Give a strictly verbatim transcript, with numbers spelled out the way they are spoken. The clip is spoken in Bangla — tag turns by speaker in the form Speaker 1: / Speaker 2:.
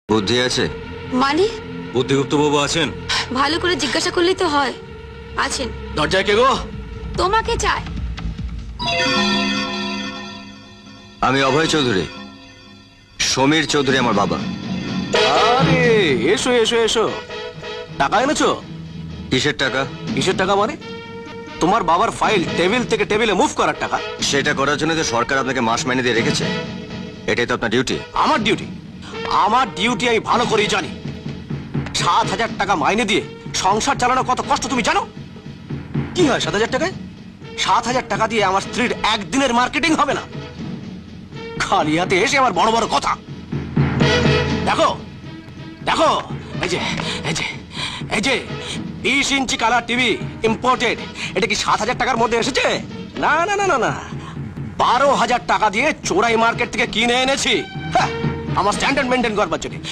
Speaker 1: বুদ্ধি আছে?
Speaker 2: মানে
Speaker 3: বুদ্ধিগুপ্ত বাবু আছেন?
Speaker 2: ভালো করে জিজ্ঞাসা করলেই তো হয়। আছেন।
Speaker 3: দরজায় কে গো?
Speaker 2: তোমাকে চাই।
Speaker 1: আমি অভয় চৌধুরী, সমীর চৌধুরী আমার বাবা।
Speaker 3: আরে এসো এসো এসো। টাকা এনেছো?
Speaker 1: কিসের টাকা?
Speaker 3: কিসের টাকা মানে? তোমার বাবার ফাইল টেবিল থেকে টেবিলে মুভ করার টাকা।
Speaker 1: সেটা করার জন্য তো সরকার আপনাকে মাস মাইনে দিয়ে রেখেছে। এটাই তো আপনার ডিউটি।
Speaker 3: আমার ডিউটি? আমার ডিউটি আমি ভালো করেই জানি। সাত হাজার টাকা মাইনে দিয়ে সংসার চালানো কত কষ্ট তুমি জানো? কি হয় সাত হাজার টাকায়? সাত হাজার টাকা দিয়ে আমার স্ত্রীর একদিনের মার্কেটিং হবে না। খালি হাতে এসে আমার বড় বড় কথা। দেখো দেখো, এই যে এই যে এই যে বিশ ইঞ্চি কালার টিভি ইম্পোর্টেড, এটা কি সাত হাজার টাকার মধ্যে এসেছে? না না না না না, বারো হাজার টাকা দিয়ে চোরাই মার্কেট থেকে কিনে এনেছি। হ্যাঁ, আমার স্ট্যান্ডার্ড মেনটেন করবার জন্য।